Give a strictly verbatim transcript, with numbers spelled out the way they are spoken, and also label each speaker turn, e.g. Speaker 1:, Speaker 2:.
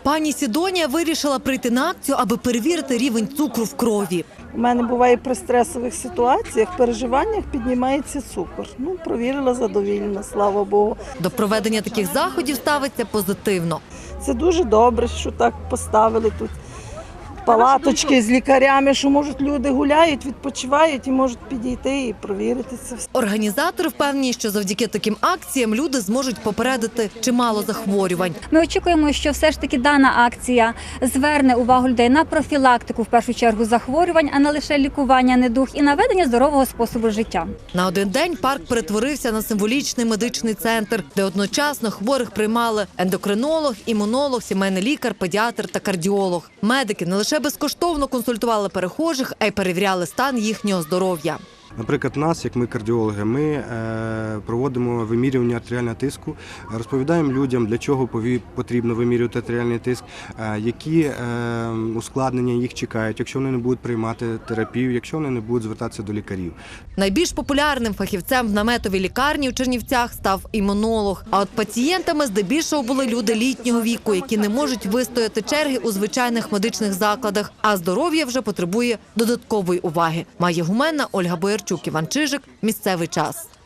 Speaker 1: Пані Сідонія вирішила прийти на акцію, аби перевірити рівень цукру в крові.
Speaker 2: У мене буває при стресових ситуаціях, переживаннях піднімається цукор. Ну, провірила задовільно, слава Богу.
Speaker 1: До проведення таких заходів ставиться позитивно.
Speaker 2: Це дуже добре, що так поставили тут палаточки з лікарями, що, можуть, люди гуляють, відпочивають і можуть підійти і провірити це все.
Speaker 1: Організатори впевнені, що завдяки таким акціям люди зможуть попередити чимало захворювань.
Speaker 3: Ми очікуємо, що все ж таки дана акція зверне увагу людей на профілактику, в першу чергу, захворювань, а не лише лікування недуг і наведення здорового способу життя.
Speaker 1: На один день парк перетворився на символічний медичний центр, де одночасно хворих приймали ендокринолог, імунолог, сімейний лікар, педіатр та кардіолог. Медики не лише безкоштовно консультували перехожих, а й перевіряли стан їхнього здоров'я.
Speaker 4: Наприклад, нас, як ми кардіологи, ми е, проводимо вимірювання артеріального тиску, розповідаємо людям, для чого пові- потрібно вимірювати артеріальний тиск, е, які е, ускладнення їх чекають, якщо вони не будуть приймати терапію, якщо вони не будуть звертатися до лікарів.
Speaker 1: Найбільш популярним фахівцем в наметовій лікарні у Чернівцях став імунолог. А от пацієнтами здебільшого були люди літнього віку, які не можуть вистояти черги у звичайних медичних закладах, а здоров'я вже потребує додаткової уваги. Майя Гуменна, Ольга Боярчук, Іван Чижик. Місцевий час.